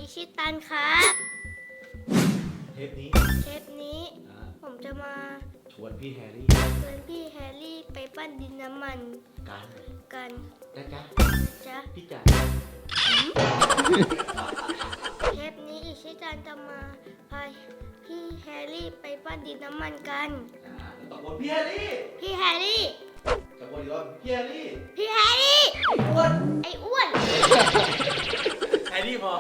อิชิตันครับเทปนี้เทปนี้ผมจะมาชวนพี่แฮร์รี่ชวนพี่แฮร์รี่ไปปั้นดินน้ำมันกันกันนะจ๊ะจ๊ะพี่จ๋าเทปนี้อิชิตันจะมาพาพี่แฮร์รี่ไปปั้นดินน้ำมันกันตะโกนพี่แฮร์รี่พี่แฮร์รี่ตะโกนอีกรอบพี่แฮร์รี่พี่แฮร์รี่อ้วนไอ้อ้วนแฮร์รี่พอ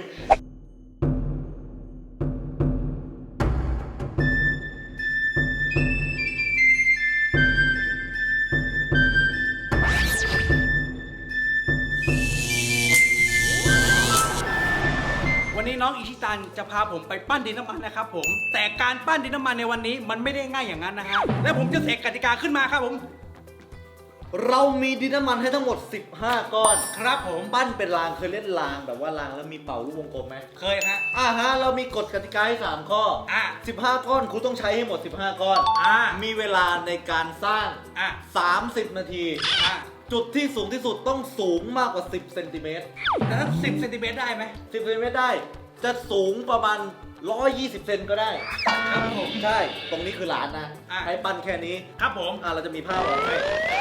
วันนี้น้องอิชิตันจะพาผมไปปั้นดินน้ำมันนะครับผมแต่การปั้นดินน้ำมันในวันนี้มันไม่ได้ง่ายอย่างนั้นนะฮะและผมจะเสกกติกาขึ้นมาครับผมเรามีดินน้ำมันให้ทั้งหมด15ก้อนครับผมปั้นเป็นรางเคยเล่นรางแบบว่ารางแล้วมีเป่าลูกวงกลมไหมเคยฮะเรามีกฎกติกาให้3ข้อ 15ก้อนคุณต้องใช้ให้หมด15ก้อน มีเวลาในการสร้าง 30 นาที จุดที่สูงที่สุดต้องสูงมากกว่า10เซนติเมตรแล้ว10 เซนติเมตรได้ไหม 10เซนติเมตรได้ จะสูงประมาณ120 เซนก็ได้ครับผมใช่ ตรงนี้คือหลานนะ ให้ปั้นแค่นี้ครับผมเราจะมีภาพออกให้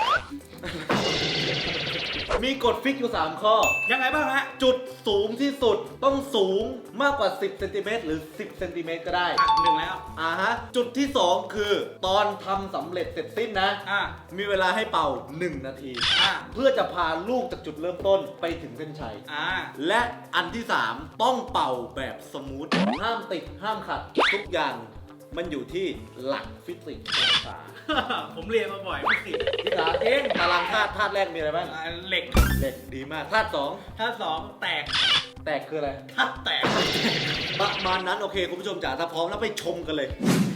มีกฎฟิกอยู่3ข้อยังไงบ้างฮะจุดสูงที่สุดต้องสูงมากกว่า10เซนติเมตรหรือ10เซนติเมตรก็ได้หนึ่งแล้วจุดที่2คือตอนทำสำเร็จเสร็จสิ้นนะ มีเวลาให้เป่า1นาที เพื่อจะพาลูกจากจุดเริ่มต้นไปถึงเส้นชัย และอันที่3ต้องเป่าแบบสมูท ห้ามติดห้ามขัดทุกอย่างมันอยู่ที่หลักฟิสิกส์องศาผมเรียนมาบ่อยพี่สิที่สามเองตารางธาตุแรกมีอะไรบ้างเหล็กเหล็กดีมากธาตุสองถ้าสองแตกแตกคืออะไรถ้าแตกประมาณนั้นโอเคคุณผู้ชมจ๋าถ้าพร้อมแล้วไปชมกันเลย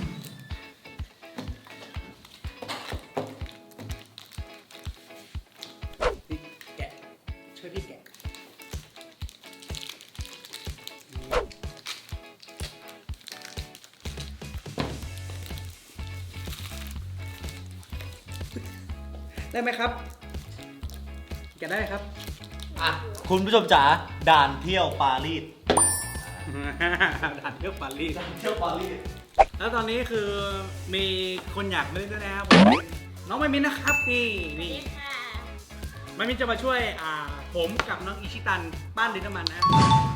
พี่แกะช่วยพี่แกะได้ไหมครับแกะได้ไหมครับคุณผู้ชมจ๋าด่านเที่ยวปารีสด่านเที่ยวปารีสเที่ยวปารีสแล้วตอนนี้คือมีคนอยากมาเล่นด้วยนะครับผมน้องไมมินนะครับนี่ไมมินจะมาช่วยผมกับน้องอิชิตันปั้นดินน้ำมันนะ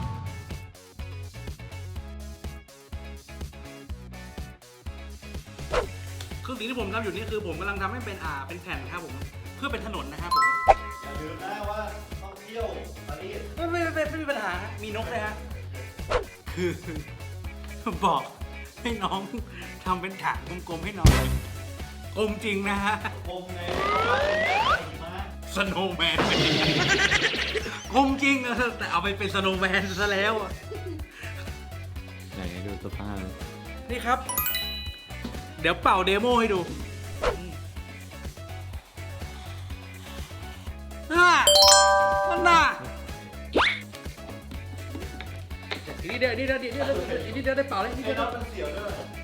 คือสิ่งที่ผมทำอยู่นี่คือผมกำลังทำให้เป็นเป็นแผ่นครับผมเพื่อเป็นถนนนะครับผมอย่าลืมนะว่าต้องเที่ยวปารีสไม่มีปัญหาฮะมีนกเลยฮะคือบอกให้น้องทำเป็นถาดกลมๆให้น้องกลมจริงนะฮะคงไงสโนว์แมนกลมจริงแต่เอาไปเป็นสโนว์แมนซะแล้วอะไหนดูสภาพนี่ครับ เดี๋ยวเป่าเดโมให้ดูมันน่ะนี่เดี๋ยวได้เป่าเลยนี่ไอ้เดี๋ยวน็อตมันเสียวด้วย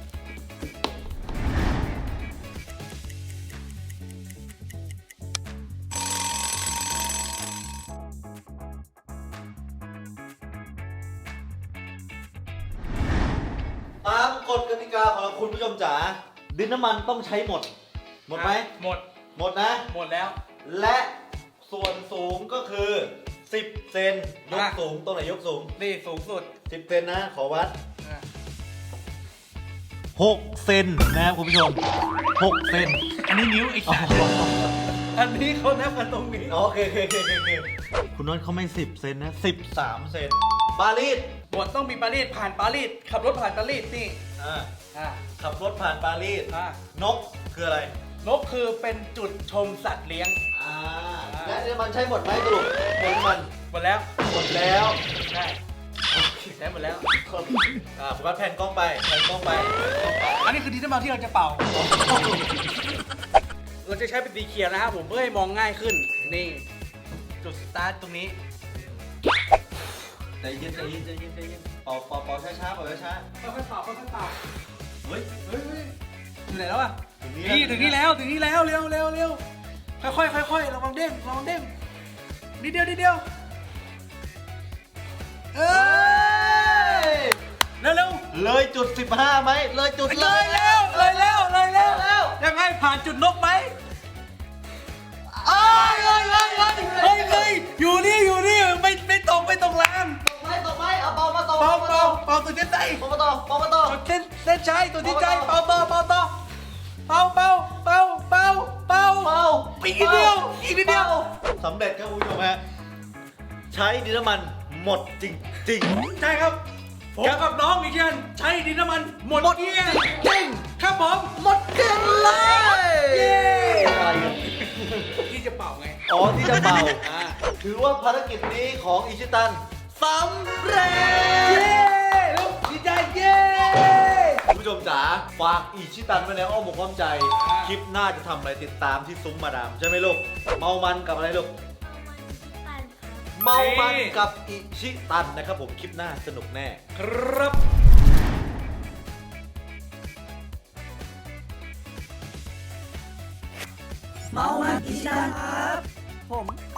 ตามกฎกติกาของคุณผู้ชมจ๋าดินน้ำมันต้องใช้หมด หมดไหมหมดหมดนะหมดแล้วและส่วนสูงก็คือ 10 เซนยกสูงตรงไหนยกสูงนี่สูงสุด 10 เซนนะขอวัด 6 เซนนะครับคุณผู้ชม 6 เซนอันนี้นิ้วไอ้สัตว์อันนี้เขานับกันตรงนี้โอเคคุณน็อตเขาไม่ 10 เซนนะ 13 เซนปารีสบทต้องมีปารีสผ่านปารีสขับรถผ่านปารีสนี่ขับรถผ่านปารีสนกคืออะไรนกคือเป็นจุดชมสัตว์เลี้ยงและน้ำมันใช้หมดไหมสรุปหมดมันหมดแล้วหมดแล้วใช่ใช้หมดแล้วโฟกัสแผ่นกล้องไปแผ่นกล้องไปอันนี้คือดินน้ำมันที่เราจะเป่า เราจะใช้เป็นสีเขียวนะครับผมเพื่อให้มองง่ายขึ้นนี่จุดสตาร์ทตรงนี้ใจเย็นเป่าช้าๆเป่าช้าค่อยๆเป่าค่อยๆเป่าๆเฮ้ยอยู่ไหนแล้วอ่ะถึงนี่ถึงนี่แล้วเร็วค่อยๆระวังเด้งนิดเดียวเออเลยจุด 15ไหมเลยจุดเลยแล้วยังไงผ่านจุดนกไหมเลยอยู่นี่ไม่ตรงแรงตกไหมเอาเป่ามาต่อเป่าตัวเส้นใจเป่ามาต่อเส้นชัยตัวที่ใจเป่าต่ออีกนิดเดียวสำเร็จครับคุณผู้ชมฮะใช้ดินน้ำมันหมดจริงใช่ครับผมกับน้องอีกเช่นใช้ดินน้ำมันหมดเกลี้ยงจริงครับผมหมดเกลี้ยงเลยเย้อะไรกันที่จะเป่าไงอ๋อที่จะเป่าถือว่าภารกิจนี้ของอิชิตันสำเร็จเย้ลูกดีใจเย้คุณผู้ชมจ๋าฝากอิชิตันไว้ในอ้อมอกอ้อมใจ คลิปหน้าจะทำอะไรติดตามที่ซุ้มมาดามใช่ไหมลูกเมามันกับอะไรลูก เมามันกับอิชิตันนะครับผมคลิปหน้าสนุกแน่ครับเมามันอิชิตันครับผม